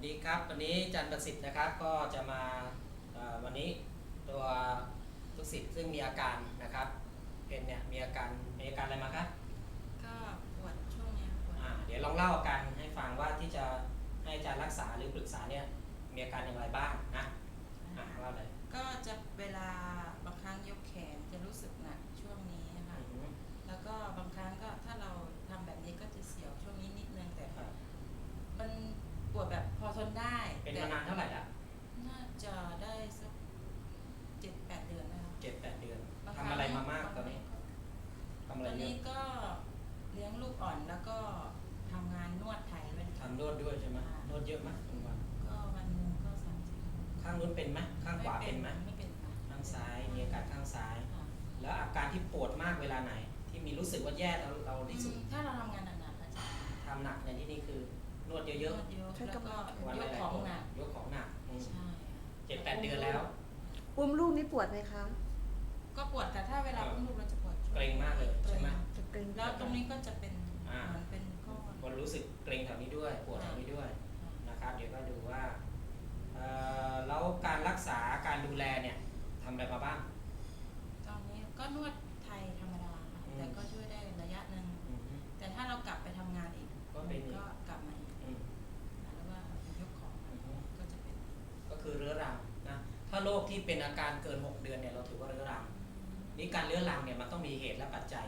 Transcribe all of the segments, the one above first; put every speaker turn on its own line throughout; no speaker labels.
ดีครับวันนี้อาจารย์ประสิทธิ์นะครับก็จะมาวันนี้ตัวลูกศิษย์ซึ่งมีอาการนะครับเป็นเนี่ยมีอาการอะไรมาครับ
ก็ปวดช่วงเนี้ยปวด
เดี๋ยวลองเล่าอาการให้ฟังว่าที่จะให้อาจารย์รักษาหรือปรึกษาเนี่ยมีอาการอย่างไรบ้างนะเล่าเลย
ก็จะเวลาบางครั้งยกแขนจะรู้สึกหนักช่วงนี้นะคะแล้วก็บางครั้งก็ถ้าเราทำแบบนี้ก็จะเสียวช่วงนี้นิดนึงแต่มันปวดแบบพอทนได้
เป็นมานานเท่าไหร่ละ
น่าจะได้สัก7-8 เดือนนะคะ
7-8 เดือนทำอะไรมามากตอนนี้ทำอะไร
ตอนนี้ก็เลี้ยงลูกอ่อนแล้วก็ทำงานนวดไทยด้วย
ทำนวดด้วยใช่ไหมนวดเยอะไหมทุกวัน
ก็วันหนึ่งก็30
ข้างนู้นเป็นไหมข้างขวาเป็นไหม
ไม่เป็นค่ะ
ข้างซ้ายมีอาการข้างซ้ายแล้วอาการที่ปวดมากเวลาไหนที่มีรู้สึกว่าแย่แล้วเราที่สุด
ถ้าเราทำงานหนักๆอาจารย์
ทำหนักในที่นี้คือนวดเยอะ
ๆแล้วก็ยกของหนักใช่
7-8 เดือนแล้ว
อุ้มลูกนี่ปวดไหมคะ
ก็ปวดแต่ถ้าเวลาอุ้มลูกเราจะปวด
เกร็งมากเลยใช่ไหม
จะเกร็ง
แล้วตรงนี้ก็จะเป็นเหมือนเป็นก้อน
มันรู้สึกเกร็งแถวนี้ด้วยปวดแถวนี้ด้วยนะครับเดี๋ยวก็ดูว่าแล้วการรักษาการดูแลเนี่ยทำอะไรมาบ้าง
ตอนนี้ก็นวดไทยธรรมดาค่ะแต่ก็ช่วยได้ระยะหนึ่งแต่ถ้าเรากลับไปทำงานอีกก็กลับมาอีกแล้วว่ายกของก็จะเป็น
ก็คือเรื้อรังนะถ้าโรคที่เป็นอาการเกิน6 เดือนเนี่ยเราถือว่าเรื้อรังนี่การเรื้อรังเนี่ยมันต้องมีเหตุและปัจจัย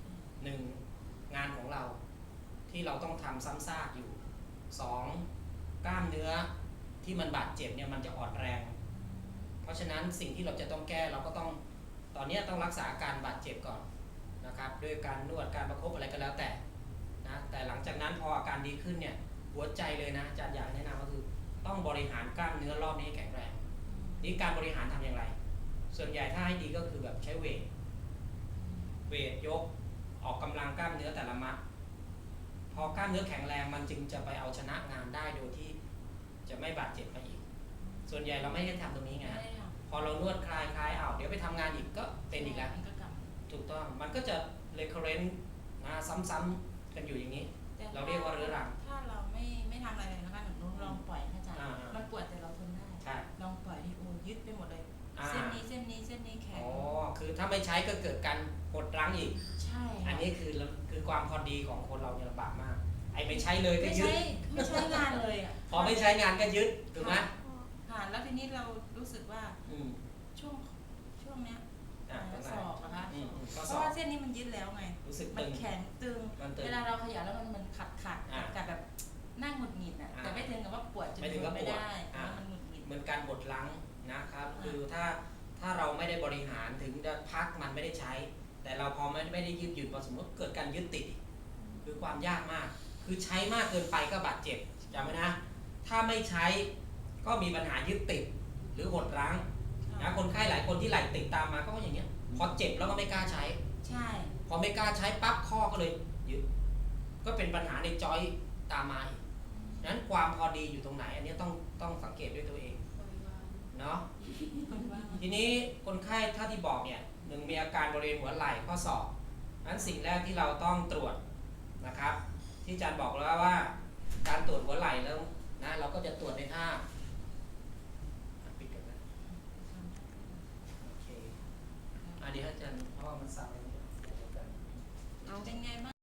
1งานของเราที่เราต้องทำซ้ำซากอยู่2กล้ามเนื้อที่มันบาดเจ็บเนี่ยมันจะอ่อนแรงเพราะฉะนั้นสิ่งที่เราจะต้องแก้เราก็ต้องตอนนี้ต้องรักษาอาการบาดเจ็บก่อนนะครับด้วยการนวดการประคบอะไรก็แล้วแต่นะแต่หลังจากนั้นพออาการดีขึ้นเนี่ยหัวใจเลยนะอาจารย์อยากแนะนำก็คือต้องบริหารกล้ามเนื้อรอบนี้ให้แข็งแรงนี่การบริหารทำอย่างไรส่วนใหญ่ถ้าให้ดีก็คือแบบใช้เวทยกออกกำลังกล้ามเนื้อแต่ละมัดพอกล้ามเนื้อแข็งแรงมันจึงจะไปเอาชนะงานได้โดยที่จะไม่บาดเจ็บไปอีกส่วนใหญ่เราไม่ได้ทำตรงนี้ไงพอเรานวดคลายเดี๋ยวไปทำงานอีกก็เป็นอีกแล้วถูกต้องมันก็จะ recurrent นะซ้ำๆกันอยู่อย่างนี้เราเรียกว่าเรื้อรัง
ถ้าเราไม่ทำอะไรเลยนะคะหนูลองปล่อยอาจารย์มันปวดแต่เราทนได้ลองปล่อยที่โอ้ยึดไปหมดเลยเส้นนี้แข็ง
คือถ้าไม่ใช้ก็เกิดการหดรั้งอีก
ใช่
อันนี้คือความพอดีของคนเราเนี่ยลำบากมากไอ้ไม่ใช้เลยก็ยึด
ไม่ใช้งานเลยอ่ะ
พอไม่ใช้งานก็ยึดถูกไหม
แล้วทีนี้เรารู้สึกว่าช่วงเนี้ยศอกนะคะเพราะว่าเส้นนี้มันยึดแล้วไงมันแข็งตึงเวลาเราขยับแล้วมันขัดกับแบบนั่งหงุดหงิดอ่ะแต่ไม่ถึงกับว่าปวดจนทนไม่ได้มันหงุดหงิด
เหมือนการบดล้างนะครับคือถ้าเราไม่ได้บริหารถึงจะพักมันไม่ได้ใช้แต่เราพอไม่ได้ยืดหยุ่นพอสมมติเกิดการยึดติดคือความยากมากคือใช้มากเกินไปก็บาดเจ็บจำไว้นะถ้าไม่ใช้ก็มีปัญหายึดติดหรือหดรั้งนะคนไข้หลายคนที่ไหลติดตามมาก็อย่างเงี้ยพอเจ็บแล้วก็ไม่กล้าใช้
ใช่
พอไม่กล้าใช้ปั๊บข้อก็เลยยึดก็เป็นปัญหาในจอยตามมาอีกนั้นความพอดีอยู่ตรงไหนอันนี้ต้องสังเกตด้วยตัวเองเนาะทีนี้คนไข้ถ้าที่บอกเนี่ยมีอาการบริเวณหัวไหล่ข้อศอกนั้นสิ่งแรกที่เราต้องตรวจนะครับที่อาจารย์บอกแล้วว่าการตรวจหัวไหล่แล้วนะเราก็จะตรวจในท่าปิดกันนะโอเคเดี๋ยวอาจารย์เพราะว่ามันสั่น
เป็นไงบ้าง